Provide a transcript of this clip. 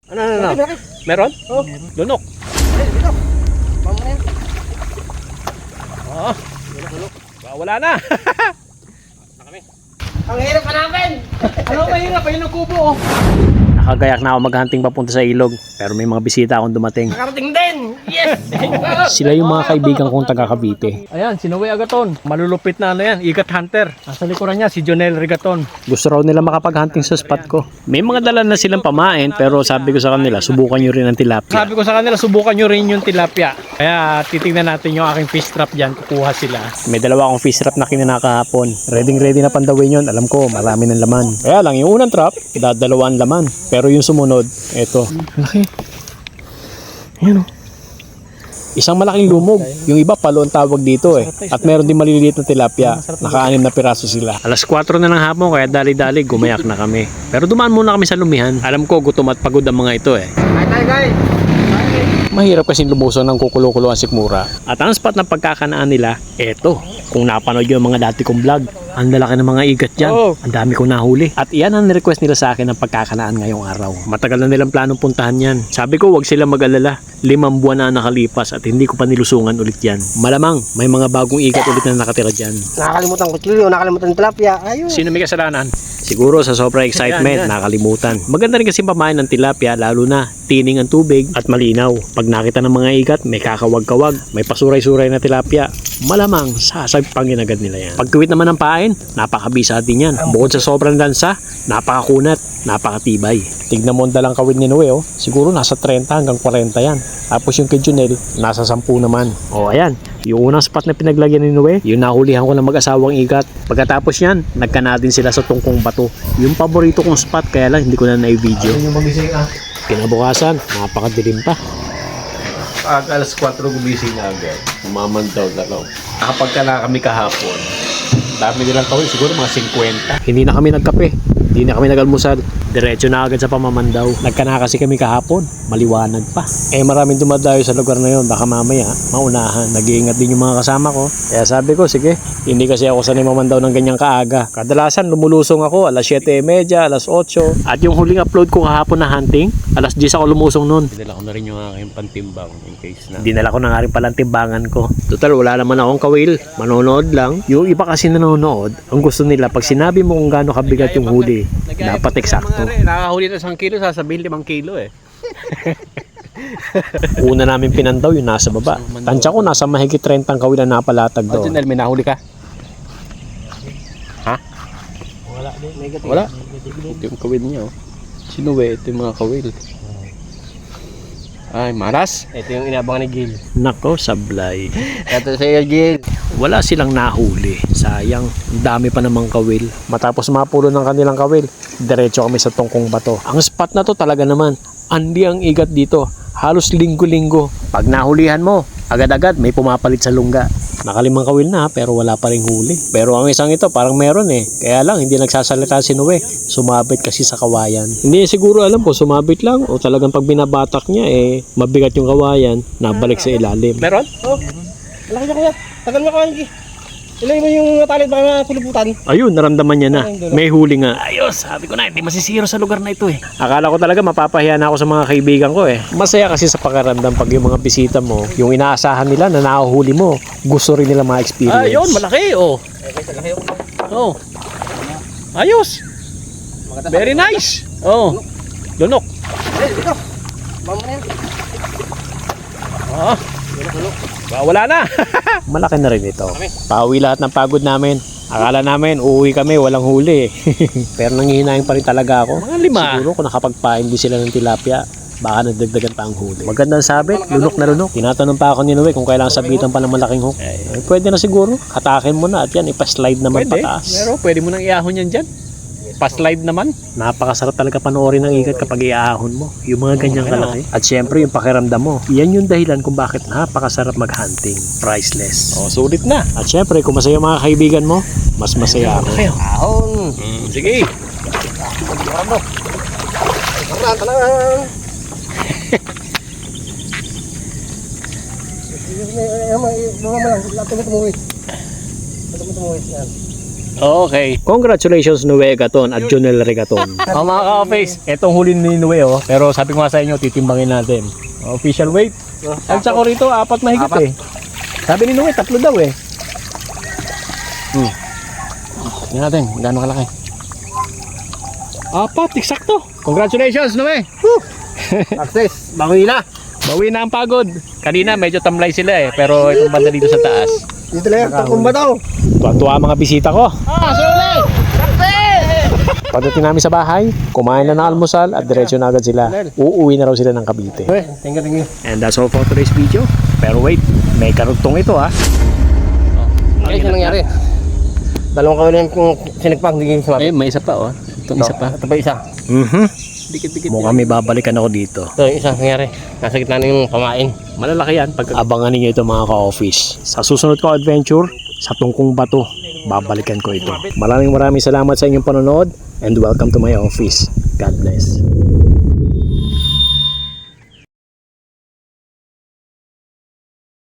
Ano? Meron? Oh. Lunok. Dito. Mama na yan. Oo. Wala na. Ang hirap pa namin. Ano mahirap? Ayun ang kubo. Nakagayak na ako maghunting papunta sa ilog. Pero may mga bisita akong dumating. Nakarating din. Yes. Sila yung mga kaibigan kong taga Cavite. Ayan, si Noe Agaton. Malulupit na ano yan, ikat hunter. Nasa likuran niya, si Jonel Rigaton. Gusto raw nila makapag-hunting sa spot ko. May mga dala na silang pamain, pero sabi ko sa kanila, subukan nyo rin ang tilapia. Sabi ko sa kanila, subukan nyo rin yung tilapia. Kaya titingnan natin yung aking fish trap dyan, kukuha sila. May dalawa akong fish trap na kinakahapon. Ready na pandawin yun, alam ko, marami ng laman. Kaya lang, yung unang trap, dadalawaan laman. Pero yung sumunod, eto. Laki. Ayan o. Isang malaking lumog. Yung iba palo ang tawag dito eh. At meron din maliliit na tilapia. Naka-6 na piraso sila. Alas 4 na ng hapon kaya dali-dali gumayak na kami. Pero dumaan muna kami sa lumihan. Alam ko gutom at pagod ang mga ito eh. Guys. Mahirap kasi lumusong ng kukulo-kulo ang sikmura. At ang spot ng pagkakanaan nila, eto. Kung napanood yung mga dati kong vlog, ang lalaki ng mga igat dyan. Ang dami kong nahuli. At iyan ang request nila sa akin ng pagkakanaan ngayong araw. Matagal na nilang planong puntahan yan. Sabi ko wag sila mag-alala. 5 buwan na nakalipas at hindi ko pa nilusungan ulit yan. Malamang may mga bagong igat ulit na nakatira dyan. Nakakalimutan ko chilyo, nakakalimutan ng tilapia. Ayun. Sino may kasalanan? Siguro sa sobrang excitement, nakalimutan. Maganda rin kasi pamain ng tilapia, lalo na tining ang tubig at malinaw. Pag nakita ng mga igat, may kakawag-kawag, may pasuray-suray na tilapia. Malamang sasagpangin agad nila yan. Pagtuwit naman ng pain, napakabisa din yan. Bukod sa sobrang lansa, napakakunat, napakatibay. Tignan mo ang dalang kawid ni Noe, oh. Siguro nasa 30 hanggang 40 yan. Tapos yung kay Junel, nasa 10 naman. O ayan, yung unang spot na pinaglagyan ni Noe, yung nahulihan ko ng mag-asawang igat. Pagkatapos yan, nagkana din sila sa tungkong bato. Yung paborito kong spot, kaya lang hindi ko na na-video. Yung magising ah. Kinabukasan, napakadilim pa. Alas 4 gumising na agad. Mamandaw na lang. Nakapagka na kami kahapon. Dami nilang kawin, siguro mga 50. Hindi na kami nagkape, hindi na kami nag-almusal. Diretso na agad sa pamamandaw. Nagkana kasi kami kahapon, maliwanag pa. Eh maraming dumadayo sa lugar na yon, baka mamaya maunahan. Nag-iingat din yung mga kasama ko. Kaya sabi ko, sige, hindi kasi ako sanay mamandaw ng ganyang kaaga. Kadalasan lumulusong ako alas 7:30, alas 8. At yung huling upload ko kahapon na hunting, alas 10 ako lumusong nun. Dinala ko na rin yung aking pantimbang in case na. Dinala ko na nga rin palang timbangan ko. Total, wala naman akong kawil. Manonood lang. Yung iba kasi nanonood, ang gusto nila, pag sinabi mo kung gaano kabigat yung huli, dapat eksakto. Nakahuli na 1 kilo, sasabihin 5 kilo eh. Una namin pinandaw yung nasa baba. Tansya ko nasa mahigit 30 ang kawil na napalatag doon. Junel, may nahuli ka? Ha? Wala din. Negative. Wala? Ito yung kawil niya oh. Sinuwe, ito yung mga kawil. Ay, maras. Ito yung inabangan ni Gil. Nako, sablay. Ito sa'yo Gil. Wala silang nahuli. Sayang, ang dami pa namang kawil. Matapos mapulo ng kanilang kawil, diretso kami sa tungkong bato. Ang spot na to talaga naman, andi ang igat dito. Halos linggo-linggo. Pag nahulihan mo, agad-agad may pumapalit sa lungga. Nakalimang kawil na pero wala pa ring huli. Pero ang isang ito parang meron eh. Kaya lang hindi nagsasalita si Noe. Sumabit kasi sa kawayan. Hindi siguro alam ko sumabit lang o talagang pag binabatak niya eh mabigat yung kawayan, nabalik sa ilalim. Meron? Oh. Malaki na kuya. Tagal mo kawan Gil. Ilay mo yung talit baka puluputan. Ayun, naramdaman niya na. May huli nga. Ayos, sabi ko na, hindi masisiro sa lugar na ito eh. Akala ko talaga mapapahiya na ako sa mga kaibigan ko eh. Masaya kasi sa pakiramdam pag yung mga bisita mo, yung inaasahan nila na nahuhuli mo, gusto rin nila ma-experience. Ayun, malaki oh. Oh. Ayos. Very nice. Oh. Lunok. Dito. Mama na yan. Oh. Wala na. Malaki na rin ito. Pauwi lahat ng pagod namin. Akala namin, uuwi kami, walang huli. Pero nangihinayang pa rin talaga ako. Mga 5. Siguro kung nakapagpain din sila ng tilapia, baka nagdagdagan pa ang huli. Magandang sabit, lunok na lunok. Tinatanong pa ako ni Noe kung kailangan sabitan pa ng malaking hook. Eh, pwede na siguro. Hatakin mo na at yan, ipa-slide naman Pwede. pataas. Pero pwede mo nang iahon yan dyan. Pa-slide naman. Napakasarap talaga panoorin ng ikat kapag iahon mo. Yung mga ganyang kalaki. At syempre yung pakiramdam mo. Yan yung dahilan kung bakit napakasarap mag-hunting. Priceless. Oh, sulit na. At syempre kung masaya mga kaibigan mo, mas masaya ako. Ahon. Sige. Talang talang. Mga lang, tumuwi. Tumuwi yan. Okay. Congratulations Noe Agaton at Jonel Regaton. Mga ka-office, etong huli ni Noe pero sabi ko nga sa inyo, titimbangin natin. Official weight. Ang sako rito, 4 mahigit eh. Sabi ni Noe, 3 daw eh. Tingnan natin, gaano kalaki. 4, eksakto. Congratulations Noe. Access, bawi na. Bawi na ang pagod. Kanina medyo tamlay sila eh, pero itong banda dito sa taas. Dito lang, takumba daw. Tuwa-tuwa ang mga bisita ko. Suli! Pagdating namin sa bahay, kumain na ng almusal at diretso na agad sila. Uuwi na raw sila ng Cavite. Thank you. And that's all for today's video. Pero wait, may karugtong ito ha. Ano nangyari? Dalawang kawin lang kung sinagpang, hindi sumabi. May isa pa oh. Itong isa pa. Ito pa isa. Dikit-dikit. Mukhang may babalikan ako dito. Ito yung isa nangyari. Nasa gitna na yung pamain. Malalaki yan. Abangan ninyo ito mga ka-office. Sa susunod ko adventure, sa Tungkong Bato, babalikan ko ito. Maraming salamat sa inyong panonood and welcome to my office. God bless.